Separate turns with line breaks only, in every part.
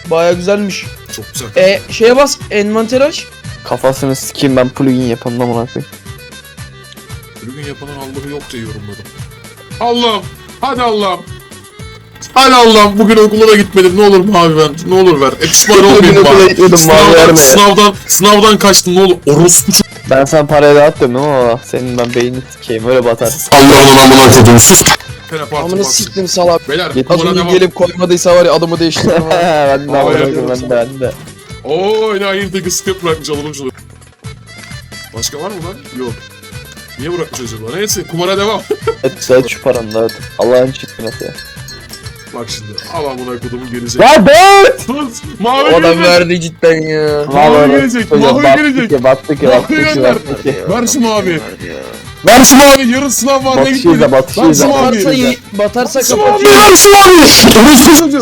Baya güzelmiş.
Çok güzel.
Şeye bas, envanter aç.
Kafasını sikeyim ben plugin yapanım amına koyayım.
Bugün yapanın Allah'ı yok diye yorumladım. Allah'ım. Hadi Allah'ım. Hadi Allah'ım. Bugün okula da gitmedim. Ne olur mavi ver. Ne olur ver. Pişman olmayayım
okula
bari.
gitmedim, mavi verme.
Sınavdan kaçtım. Ne olur. Orospu çok.
Ben sana parayı dağıtıyorum ama senin ben beynini sikeyim öyle batar.
Allah'ın amına koydum. Sus.
Amına siktim salak.
Beyler
Git.
Az
kumara
önce
devam.
gelip koymadıysa var ya adımı değiştiririm. ha.
Ben de amına
Hayır,
koyayım ben de.
Ooo ne hayırdaki skip bırakmış alalım şunu. Başka var mı lan? Yok. Niye bırakmış acaba? Neyse kumara devam.
Et şu paranı dağıt. Allah'ın çıkması ya.
Bak şimdi. Al amına kodumun gelecek.
Ya dağıt!
Sus. Mavi
O adam
gelecek.
verdi cidden ya.
Mavi gelecek. Mavi gelecek.
Battık ya
Mavi
battık ya
gönder.
battık ya.
Ver şu mavi. Ver şu mavi. Yarın sınav var. Ne
Batışıyız
gitmedi.
da, batışıyız
Ver şu
da.
mavi.
Batarsa
Şu
kapat.
mavi. Ver şu mavi. Orospu çocuğu.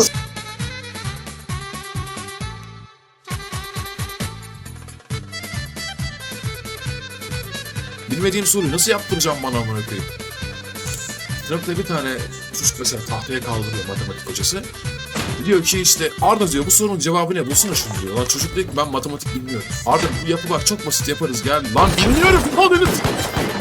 Bilmediğim soruyu nasıl yaptıracağım bana amına koyayım? Sınıfta bir tane çocuk mesela tahtaya kaldırıyor matematik hocası. Diyor ki işte Arda diyor bu sorunun cevabı ne bulsana şunu diyor. Lan çocuk diyor ki ben matematik bilmiyorum. Arda bu yapı bak çok basit yaparız gel. Lan bilmiyorum. Al beni.